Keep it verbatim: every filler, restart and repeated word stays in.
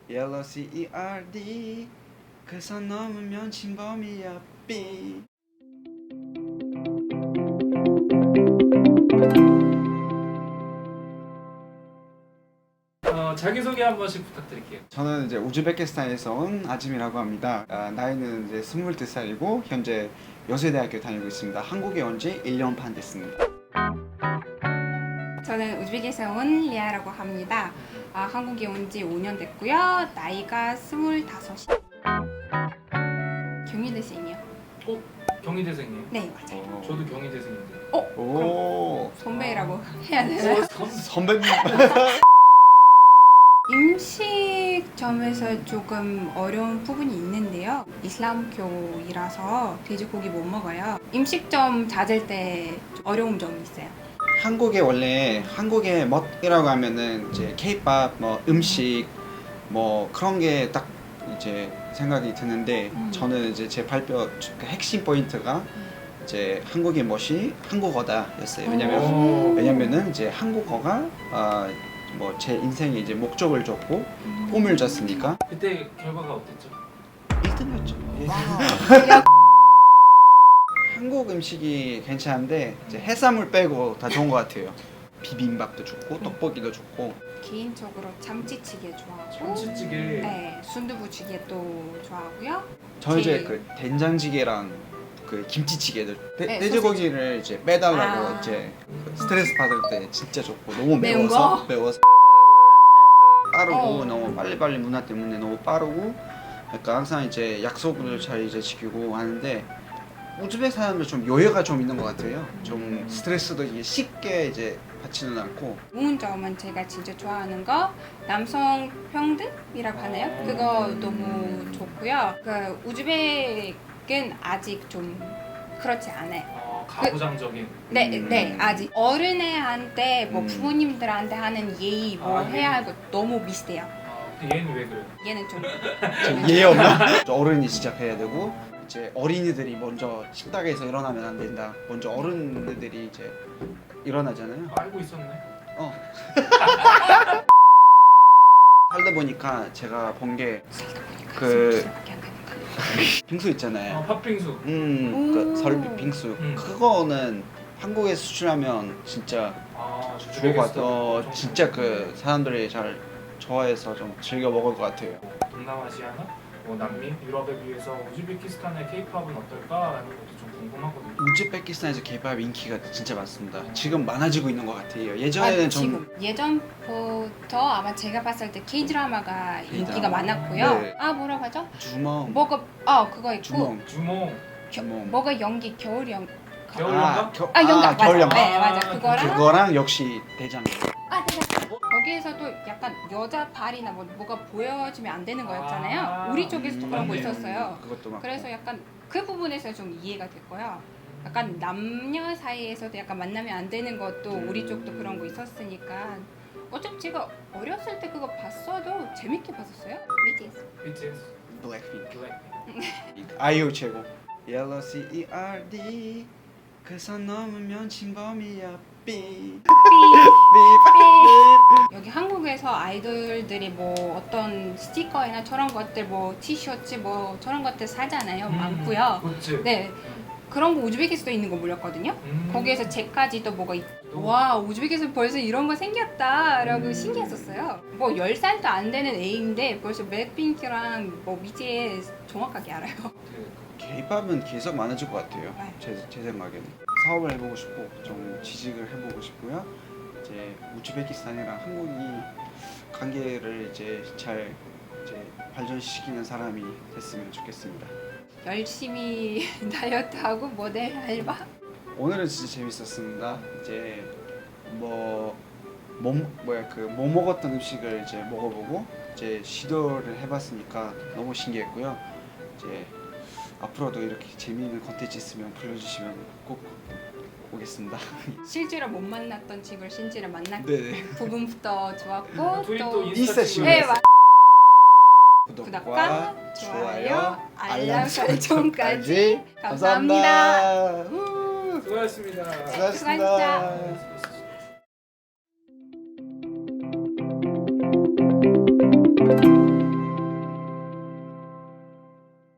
Yellow C E R D 그 선 넘으면 진범이야 B. 어, 자기소개 한 번씩 부탁드릴게요. 저는 이제 우즈베키스탄에서 온 아짐이라고 합니다. 아, 나이는 이제 스물두 살이고 현재 여수대학교 다니고 있습니다. 한국에 온 지 일 년 반 됐습니다. 저는 우즈벡에서 온 리아라고 합니다. 아, 한국에 온 지 오 년 됐고요. 나이가 스물다섯이. 경희대생이요. 어? 경희대생이에요? 네, 맞아요. 어. 저도 경희대생인데. 어? 오, 선배라고 해야 되나요? 어, 선- 선배님. 음식점에서 조금 어려운 부분이 있는데요. 이슬람교이라서 돼지고기 못 먹어요. 음식점 찾을 때 어려운 점이 있어요. 한국에 원래 한국의 멋이라고 하면은 이제 케이팝 뭐 음식 뭐 그런 게 딱 이제 생각이 드는데 음. 저는 이제 제 발표 그 핵심 포인트가 이제 한국의 멋이 한국어다였어요. 왜냐면 오. 왜냐면은 이제 한국어가 어, 뭐 제 인생에 이제 목적을 줬고 꿈을 줬으니까 그때 결과가 어땠죠? 일 등이었죠. 야, 한국 음식이 괜찮은데 이제 해산물 빼고 다 좋은 것 같아요. 비빔밥도 좋고 떡볶이도 좋고. 개인적으로 참치찌개 좋아하고 참치찌개. 네, 순두부찌개도 좋아하고요. 저 이제 제일- 그 된장찌개랑 그 김치찌개도 돼- 네, 돼지고기를 이제 빼달라고 아. 이제 그 스트레스 받을 때 진짜 좋고 너무 매운 매워서 거? 매워서 빠르고 어. 너무 빨리빨리 문화 때문에 너무 빠르고 그러니까 항상 이제 약속을 잘 이제 지키고 하는데 우즈벡 사람들 좀 여유가 좀 있는 것 같아요. 좀 스트레스도 이게 쉽게 이제 받지는 않고. 좋은 점은 제가 진짜 좋아하는 거 남성 평등이라고 하나요? 그거 너무 좋고요. 그 우즈벡은 아직 좀 그렇지 않아요. 어, 가부장적인. 네, 음. 네, 아직 어른애한테 뭐 음. 부모님들한테 하는 예의 뭐 아, 해야 예. 할 거 너무 비슷해요. 어, 근데 얘는 왜 그래요? 얘는 좀 좀 이해 없나? 어른이 시작해야 되고 이제 어린이들이 먼저 식탁에서 일어나면 안 된다. 먼저 어른들이 이제 일어나잖아요. 알고 있었네. 어. 살다 보니까 제가 본 게 그 술밖에 안 가는 거. 빙수 어, 있잖아요. 팥빙수. 음, 그 오. 설비 빙수. 음. 그거는 한국에 수출하면 진짜 아, 좋을 것 같아. 어, 우즈베키스탄 진짜 그 사람들이 잘 좋아해서 좀 즐겨 먹을 것 같아요. 동남아시아나 뭐 남미, 유럽에 비해서 우즈베키스탄의 케이팝은 어떨까라는 것도 좀 궁금하거든요. 우즈베키스탄에서 케이팝 인기가 진짜 많습니다. 지금 많아지고 있는 것 같아요. 예전에는 아, 좀 지금 예전부터 아마 제가 봤을 때 K 드라마가 인기가 K-드라마. 많았고요. 네. 아 뭐라고 하죠? 주먹, 뭐가 아 그거 있고 주먹, 주몽, 겨, 주먹. 뭐가 연기 겨울 연 겨울 아, 연가? 겨, 아 연가 아, 겨울 맞아. 연가. 네 맞아 아, 그거랑 그거랑 역시 대장. 아 내가 거기에서도 약간 여자 발이나 뭐 뭐가 보여지면 안 되는 거였잖아요. 아, 우리 쪽에서도 그런 거 맞네요. 있었어요. 그것도 막. 그래서 약간 그 부분에서 좀 이해가 됐고요. 약간 남녀 사이에서도 약간 만나면 안 되는 것도 우리 쪽도 그런 거 있었으니까 어차피 제가 어렸을 때 그거 봤어도 재밌게 봤었어요. 비티에스. 비티에스, 블랙핑크. 블랙핑크. 아이유 최고. Yellow C E R D 그 선 넘으면 진범이야 B. 여기 한국에서 아이돌들이 뭐 어떤 스티커나 저런 것들 뭐 티셔츠 뭐 저런 것들 사잖아요. 음, 많고요. 굿즈. 네. 그런 거 우즈벡에서도 있는 거 몰랐거든요. 음. 거기에서 제까지도 뭐가 있... 또 와 우즈벡에서 벌써 이런 거 생겼다 라고 음. 신기했었어요. 뭐 열 살도 안 되는 애인데 벌써 블랙핑크랑 뭐 비티에스 정확하게 알아요. 그 케이팝은 계속 많아질 것 같아요. 네. 제, 제 생각에는 사업을 해보고 싶고 좀 취직을 해보고 싶고요. 이제 우즈베키스탄이랑 한국이 관계를 이제 잘 이제 발전시키는 사람이 됐으면 좋겠습니다. 열심히 다이어트하고 모델 알바. 오늘은 진짜 재밌었습니다. 이제 뭐, 뭐 뭐야 그 뭐 먹었던 음식을 이제 먹어보고 이제 시도를 해봤으니까 너무 신기했고요. 이제 앞으로도 이렇게 재미있는 컨텐츠 있으면 불러주시면 꼭 오겠습니다. 실제로 못 만났던 친구를 실제로 만났 네네. 부분부터 좋았고 둘이 또 또 인스타 인스타 친구. 네, 맞- 구독과, 구독과 좋아요, 좋아요, 알람 알람 설정까지 설정까지 감사합니다. 감사합니다. 우, 수고하셨습니다. 수고하셨습니다. 수고하셨습니다.